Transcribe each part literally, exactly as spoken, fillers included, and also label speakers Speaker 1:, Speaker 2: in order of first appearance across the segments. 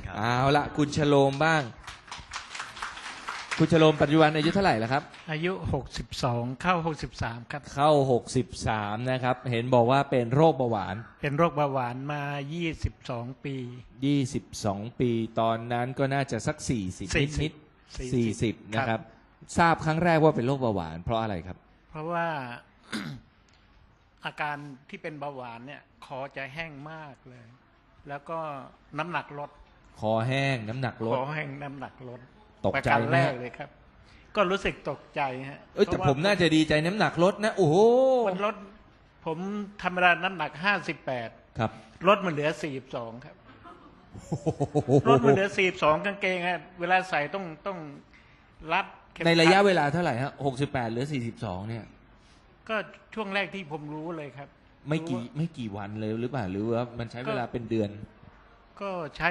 Speaker 1: ครับ
Speaker 2: เอาละคุณชโลมบ้างคุณชโลมปัจจุบันอายุเท่าไหร่แล้วครับ
Speaker 3: อายุหกสิบสองเข้าหกสิบสามครับ
Speaker 2: เข้าหกสิบสามนะครับเห็นบอกว่าเป็นโรคเบาหวาน
Speaker 3: เป็นโรคเบาหวานมายี่สิบสองปี
Speaker 2: ยี่สิบสองปีตอนนั้นก็น่าจะสักสี่สิบนิดๆสี่สิบนะครับทราบครั้งแรกว่าเป็นโรคเบาหวานเพราะอะไรครับ
Speaker 3: เพราะว่า อาการที่เป็นเบาหวานเนี่ยคอจะแห้งมากเลยแล้วก็น้ำหนักลด
Speaker 2: คอแห้งน้ำหนักลด
Speaker 3: คอแห้งน้ำหนักลด
Speaker 2: ตกใจ
Speaker 3: แรกเลยครับก็รู้สึกตกใจฮะ
Speaker 2: เอ้ยแต่ผมน่าจะดีใจน้ำหนักลดนะโอ้โห
Speaker 3: มันลดผมธรรมดาน้ำหนักห้าสิบแปด
Speaker 2: ครับ
Speaker 3: ลดมันเหลือสี่สิบสองครับลดมันเหลือสี่สิบสองกางเกงฮะเวลาใส่ต้องต้องรัด
Speaker 2: ในระยะเวลาเท่าไหร่ฮะหกสิบแปดเหลือสี่สิบสองเนี่ย
Speaker 3: ก็ช่วงแรกที่ผมรู้เลยครับ
Speaker 2: ไม่กี่ไม่กี่วันเลยหรือเปล่าหรือว่ามันใช้เวลาเป็นเดือน
Speaker 3: ก็ใช้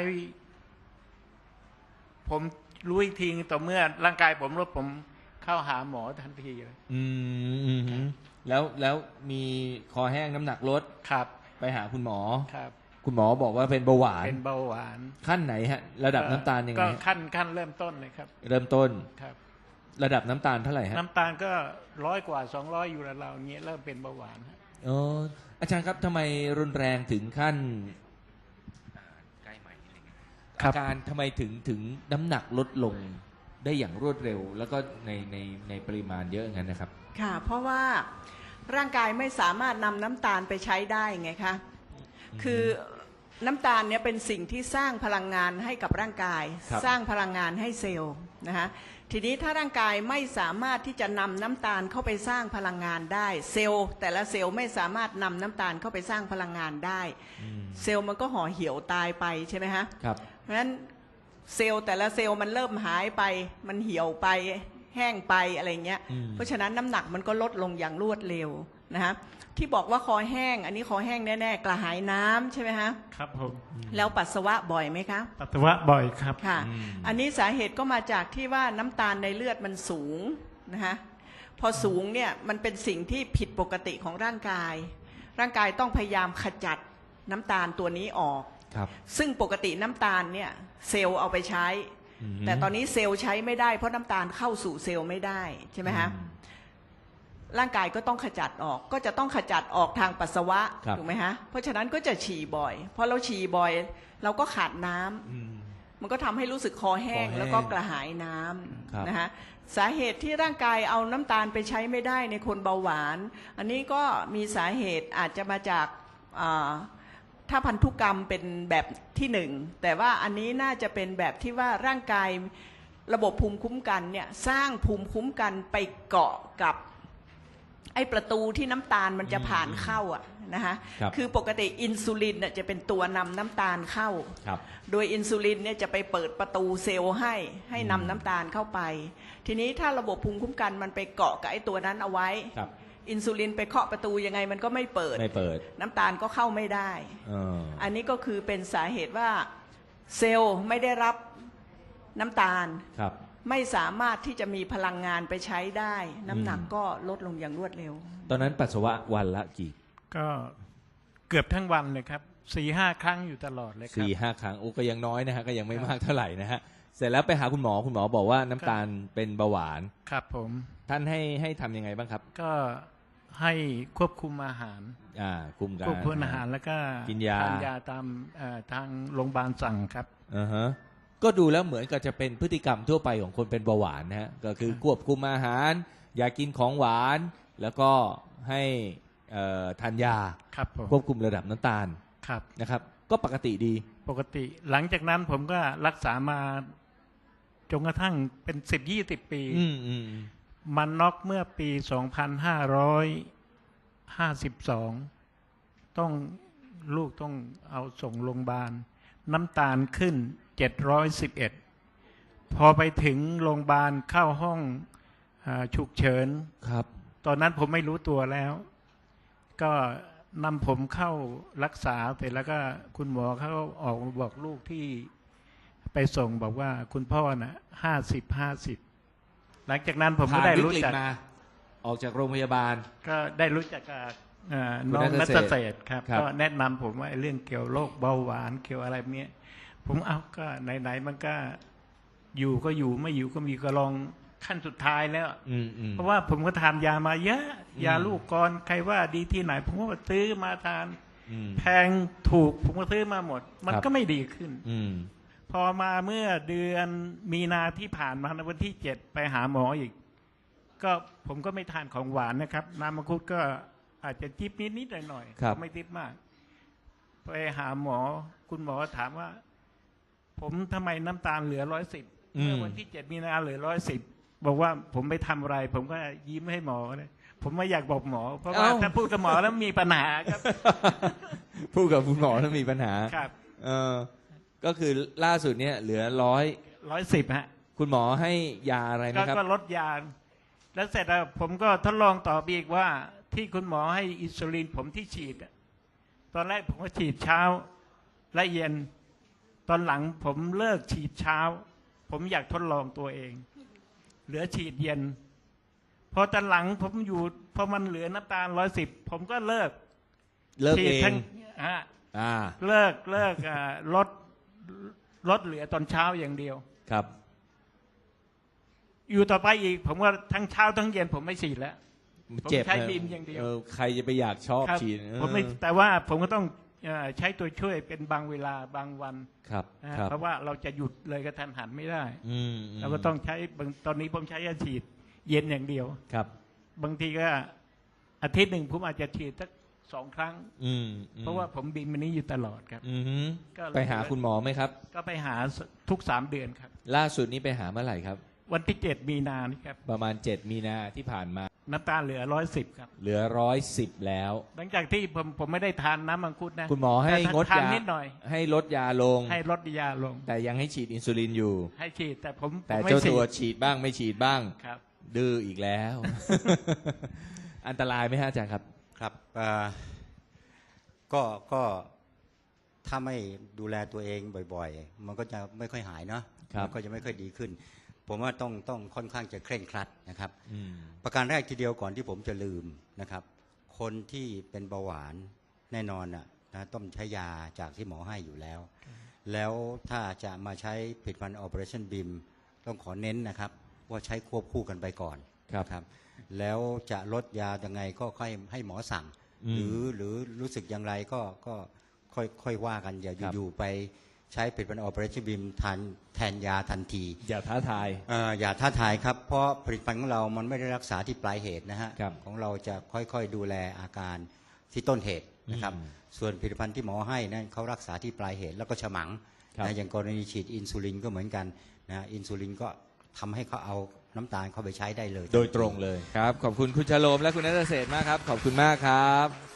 Speaker 3: ผมรู้อีกทีต่อเมื่อร่างกายผมลดผมเข้าหาหมอทันทีเลย
Speaker 2: อืมแล้วแล้วมีคอแห้งน้ำหนักลด
Speaker 3: ครับ
Speaker 2: ไปหาคุณหมอ
Speaker 3: ครับ
Speaker 2: คุณหมอบอกว่าเป็นเบาหวาน
Speaker 3: เป็นเบาหวาน
Speaker 2: ขั้นไหนฮะระดับน้ำตาลยังไง
Speaker 3: ก็ขั้นขั้นเริ่มต้นเลยครับ
Speaker 2: เริ่มต้น
Speaker 3: ครับ
Speaker 2: ระดับน้ำตาลเท่าไหร่ฮะ
Speaker 3: น้ำตาลก็ร้อยกว่าสองร้อยอยู่แล้วเราเงี้ยเริ่มเป็นเบาหวาน
Speaker 2: อ๋ออาจารย์ครับทำไมรุนแรงถึงขั้นอาการทำไมถึงถึงน้ำหนักลดลงได้อย่างรวดเร็วแล้วก็ในในในปริมาณเยอะงั้นนะครับ
Speaker 4: ค่ะเพราะว่าร่างกายไม่สามารถนำน้ำตาลไปใช้ได้ไงคะคือน้ำตาลเนี่ยเป็นสิ่งที่สร้างพลังงานให้กับร่างกายสร้างพลังงานให้เซลล์นะคะทีนี้ถ้าร่างกายไม่สามารถที่จะนำน้ำตาลเข้าไปสร้างพลังงานได้เซลล์แต่ละเซลล์ไม่สามารถนำน้ำตาลเข้าไปสร้างพลังงานได้เซลล์มันก็ห่อเหี่ยวตายไปใช่ไหมฮะ
Speaker 2: ครับ
Speaker 4: เพราะฉะนั้นเซลล์แต่ละเซลล์มันเริ่มหายไปมันเหี่ยวไปแห้งไปอะไรเงี้ยเพราะฉะนั้นน้ำหนักมันก็ลดลงอย่างรวดเร็วนะฮะที่บอกว่าคอแห้งอันนี้คอแห้งแน่ๆกระหายน้ำใช่ไหมฮะ
Speaker 3: ครับผม
Speaker 4: แล้วปัสสาวะบ่อยไหมคะ
Speaker 3: ปัสสาวะบ่อยครับ
Speaker 4: ค่ะอันนี้สาเหตุก็มาจากที่ว่าน้ำตาลในเลือดมันสูงนะฮะพอสูงเนี่ยมันเป็นสิ่งที่ผิดปกติของร่างกายร่างกายต้องพยายามขจัดน้ำตาลตัวนี้ออกซึ่งปกติน้ำตาลเนี่ยเซลล์เอาไปใช้แต่ตอนนี้เซลล์ใช้ไม่ได้เพราะน้ำตาลเข้าสู่เซลล์ไม่ได้ใช่ไหมฮะร่างกายก็ต้องขจัดออกก็จะต้องขจัดออกทางปัสสาวะถูกไหมฮะเพราะฉะนั้นก็จะฉี่บ่อยพอเราฉี่บ่อยเราก็ขาดน้ำมันก็ทำให้รู้สึกคอแห้งแล้วก็กระหายน้ำนะฮะสาเหตุที่ร่างกายเอาน้ำตาลไปใช้ไม่ได้ในคนเบาหวานอันนี้ก็มีสาเหตุอาจจะมาจากถ้าพันธุกรรมเป็นแบบที่หนึ่งแต่ว่าอันนี้น่าจะเป็นแบบที่ว่าร่างกายระบบภูมิคุ้มกันเนี่ยสร้างภูมิคุ้มกันไปเกาะกับไอ้ประตูที่น้ำตาลมันจะผ่านเข้าอ่ะนะคะคือปกติอินซูลินเนี่ยจะเป็นตัวนำน้ำตาลเข้าโดยอินซูลินเนี่ยจะไปเปิดประตูเซลล์ให้ให้นำน้ำตาลเข้าไปทีนี้ถ้าระบบภูมิคุ้มกันมันไปเกาะกับไอ้ตัวนั้นเอาไว้อินซูลินไปเคาะประตูยังไงมันก็ไม่เปิด
Speaker 2: ไม่เปิด
Speaker 4: น้ำตาลก็เข้าไม่ได้อันนี้ก็คือเป็นสาเหตุว่าเซลล์ไม่ได้รับน้ำตาลไม่สามารถที่จะมีพลังงานไปใช้ได้น้ำหนักก็ลดลงอย่างรวดเร็ว
Speaker 2: ตอนนั้นปัสสาวะวันละกี่
Speaker 3: ก็เกือบทั้งวันเลยครับสี่ห้าครั้งอยู่ตลอดเลยครับ
Speaker 2: สี่ห้าครั้งโอ้ก็ยังน้อยนะฮะก็ยังไม่มากเท่าไหร่นะฮะเสร็จแล้วไปหาคุณหมอคุณหมอบอกว่าน้ำตาลเป็นเบาหวาน
Speaker 3: ครับผม
Speaker 2: ท่านให้ให้ทำยังไงบ้างครับ
Speaker 3: ก็ให้ควบคุมอาหาร
Speaker 2: อ่าคุมการ
Speaker 3: ควบคุมอาหารแล้วก็
Speaker 2: กินยา
Speaker 3: ทานยาตามทางโรงพยาบาลสั่งครับ
Speaker 2: อ่าฮะก็ดูแล้วเหมือนกับจะเป็นพฤติกรรมทั่วไปของคนเป็นเบาหวานนะฮะก็คือควบคุมอาหารอย่ากินของหวานแล้วก็ให้ทานยาควบคุมระดับน้ำตาลนะครับก็ปกติดี
Speaker 3: ปกติหลังจากนั้นผมก็รักษามาจนกระทั่งเป็นสิบยี่สิบปีมันน็อกเมื่อปีสองพันห้าร้อยห้าสิบสองต้องลูกต้องเอาส่งโรงพยาบาลน้ำตาลขึ้นเจ็ดร้อยสิบเอ็ดพอไปถึงโรงพยาบาลเข้าห้องฉุกเฉิน
Speaker 2: ครับ
Speaker 3: ตอนนั้นผมไม่รู้ตัวแล้วก็นำผมเข้ารักษาเสร็จแล้วก็คุณหมอเขาออกมาบอกลูกที่ไปส่งบอกว่าคุณพ่อน่ะห้าสิบห้าสิบหลังจากนั้นผมก็ได้รู้จัก
Speaker 2: ออกจากโรงพยาบาล
Speaker 3: ก็ได้รู้จักกับน้องนัทเศษครับก็แนะนำผมว่าเรื่องเกี่ยวโรคเบาหวานเกี่ยวอะไรเนี้ยผผมเอาก็ไหนๆมันก็อยู่ก็อยู่ไม่อยู่ก็มีก็ลองขั้นสุดท้ายแล้ว
Speaker 2: อืมอืม
Speaker 3: เพราะว่าผมก็ทานยามาเยอะ
Speaker 2: อืม
Speaker 3: ยาลูกกรใครว่าดีที่ไหน ผมก็ซื้อมาทาน
Speaker 2: อืม
Speaker 3: แพงถูกผมก็ซื้อมาหมด มัน
Speaker 2: ครับ
Speaker 3: ก็ไม่ดีขึ้น
Speaker 2: อืม
Speaker 3: พอมาเมื่อเดือนมีนาที่ผ่านมาในวันที่เจ็ดไปหาหมออีก ก็ผมก็ไม่ทานของหวานนะครับน้ำมังคุดก็อาจจะจิบนิดนิดหน่อยหน่อยๆ
Speaker 2: ครับ
Speaker 3: ไม่ติดมาก ไปหาหมอ คุณหมอถามว่า ผมทำไมน้ำตาลเหลือร้อยสิบเมื่อวันที่เจ็ดมีนาเหลือร้อยสิบบอกว่าผมไปทำอะไร ผมก็ยิ้มให้หมอเลยผมไม่อยากบอกหมอ เพราะว่า
Speaker 2: เอ้า
Speaker 3: ถ้าพูดกับหมอแล้วมีปัญหาครับ
Speaker 2: พูดกับคุณหมอแล้วมีปัญหา
Speaker 3: ครับ
Speaker 2: เออก็คือล่าสุดเนี่ยเหลือร้อย
Speaker 3: ร้อยสิบฮะ
Speaker 2: คุณหมอให้ยาอะไร
Speaker 3: ก็
Speaker 2: นะครับ
Speaker 3: ก็ลดยา แล้วเสร็จแล้วผมก็ทดลองต่อไปอีกว่า ที่คุณหมอให้อินซูลินผมที่ฉีดอะตอนแรกผมก็ฉีดเช้าและเย็น ตอนหลังผมเลิกฉีดเช้า ผมอยากทดลองตัวเอง เหลือฉีดเย็น พอตอนหลังผมอยู่พอมันเหลือน้ำตาลร้อยสิบผมก็เลิก
Speaker 2: เลิก
Speaker 3: ฉี
Speaker 2: เอ
Speaker 3: ด
Speaker 2: ง
Speaker 3: ทั้งอ่า
Speaker 2: อ่า
Speaker 3: เลิกเลิกอ่าลดลดเหลือตอนเช้าอย่างเดียว
Speaker 2: ครับ
Speaker 3: อยู่ต่อไปอีก ผมว่าทั้งเช้าทั้งเย็นผมไม่ฉีดแล้ว
Speaker 2: เจ็บ
Speaker 3: ผมใช้
Speaker 2: นะ
Speaker 3: บีมอย่างเดียว
Speaker 2: อใครจะไปอยากชอบ
Speaker 3: ครับ
Speaker 2: ฉีด
Speaker 3: ผมไม่
Speaker 2: เออ
Speaker 3: แต่ว่าผมก็ต้องเอ่อใช้ตัวช่วยเป็นบางเวลาบางวัน
Speaker 2: ครับ
Speaker 3: นะ
Speaker 2: ครับ
Speaker 3: เพราะว่าเราจะหยุดเลยกระทันหันไม่ได้
Speaker 2: อืมม
Speaker 3: เราก็ต้องใช้บางตอนนี้ผมใช้ยาฉีดเย็นอย่างเดียว
Speaker 2: ครับ
Speaker 3: บางทีก็อาทิตย์หนึ่งผมอาจจะฉีดสักสองครั้ง
Speaker 2: อืมอืม
Speaker 3: เพราะว่าผมบินมันนี้อยู่ตลอดครับ
Speaker 2: อือหือ
Speaker 3: ก็เลย
Speaker 2: ไปหาคุณหมอไหมครับ
Speaker 3: ก็ไปหาทุกสามเดือนครับ
Speaker 2: ล่าสุดนี้ไปหาเมื่อไหร่ครับ
Speaker 3: วันที่เจ็ดมีนานี่ครับ
Speaker 2: ประมาณเจ็ดมีนาที่ผ่านมา
Speaker 3: น้ำตาลเหลือร้อยสิบครับ
Speaker 2: เหลือร้อยสิบแล้ว
Speaker 3: หลังจากที่ผมผมไม่ได้ทานน้ำมังคุดนะ
Speaker 2: คุณหมอให้
Speaker 3: แต่
Speaker 2: งด
Speaker 3: ทาน
Speaker 2: ยา
Speaker 3: นิดหน่อย
Speaker 2: ให้ลดยาลง
Speaker 3: ให้ลดยาลง
Speaker 2: แต่ยังให้ฉีดอินซูลินอยู่
Speaker 3: ให้ฉีดแต่ผม
Speaker 2: แต่
Speaker 3: ผมไม่
Speaker 2: เจ้า
Speaker 3: ฉี
Speaker 2: ตัว
Speaker 3: ด
Speaker 2: ฉีดบ้างไม่ฉีดบ้าง
Speaker 3: ครับ
Speaker 2: ดื้ออีกแล้ว อันตรายไหมฮะอาจารย์ครับ
Speaker 1: ครับเอ่อก็ก็ถ้าไม่ดูแลตัวเองบ่อยๆ มันก็จะไม่ค่อยหายเนาะ
Speaker 2: ครับ
Speaker 1: มันก็จะไม่ค่อยดีขึ้น ผมว่าต้องต้องค่อนข้างจะเคร่งครัดนะครับ
Speaker 2: อืม
Speaker 1: ประการแรกทีเดียวก่อนที่ผมจะลืมนะครับ คนที่เป็นเบาหวานแน่นอนน่ะนะต้องใช้ยาจากที่หมอให้อยู่แล้ว แล้วถ้าจะมาใช้ผลิตภัณฑ์ Operationบี เอ็ม ต้องขอเน้นนะครับว่าใช้ควบคู่กันไปก่อน
Speaker 2: ครับ
Speaker 1: ครับ แล้วจะลดยายังไงก็ค่อยให้หมอสั่ง
Speaker 2: อืม
Speaker 1: หรือหรือรู้สึกอย่างไรก็ก็ค่อยค่อยว่ากันอย่า
Speaker 2: ครับ
Speaker 1: อยู่ๆไปใช้ผลิตภัณฑ์ Operationบี เอ็ม ทานแทนยาทันที
Speaker 2: อย่าท้าทาย
Speaker 1: เอ่ออย่าท้าทายครับ เพราะผลิตภัณฑ์ของเรามันไม่ได้รักษาที่ปลายเหตุนะฮะ
Speaker 2: ครับ
Speaker 1: ของเราจะค่อยๆดูแลอาการที่ต้นเหตุนะครับ
Speaker 2: อืม
Speaker 1: ส่วนผลิตภัณฑ์ที่หมอให้นั้นเขารักษาที่ปลายเหตุแล้วก็ฉมัง
Speaker 2: ครับ
Speaker 1: นะอย่างกรณีฉีดอินซูลินก็เหมือนกันนะอินซูลินก็ทำให้เขาเอาน้ำตาลเข้าไปใช้ได้เลย
Speaker 2: โดยตรงเลยครับ ขอบคุณคุณชโลมและคุณนัทเศรษฐ์มากครับ ขอบคุณมากครับ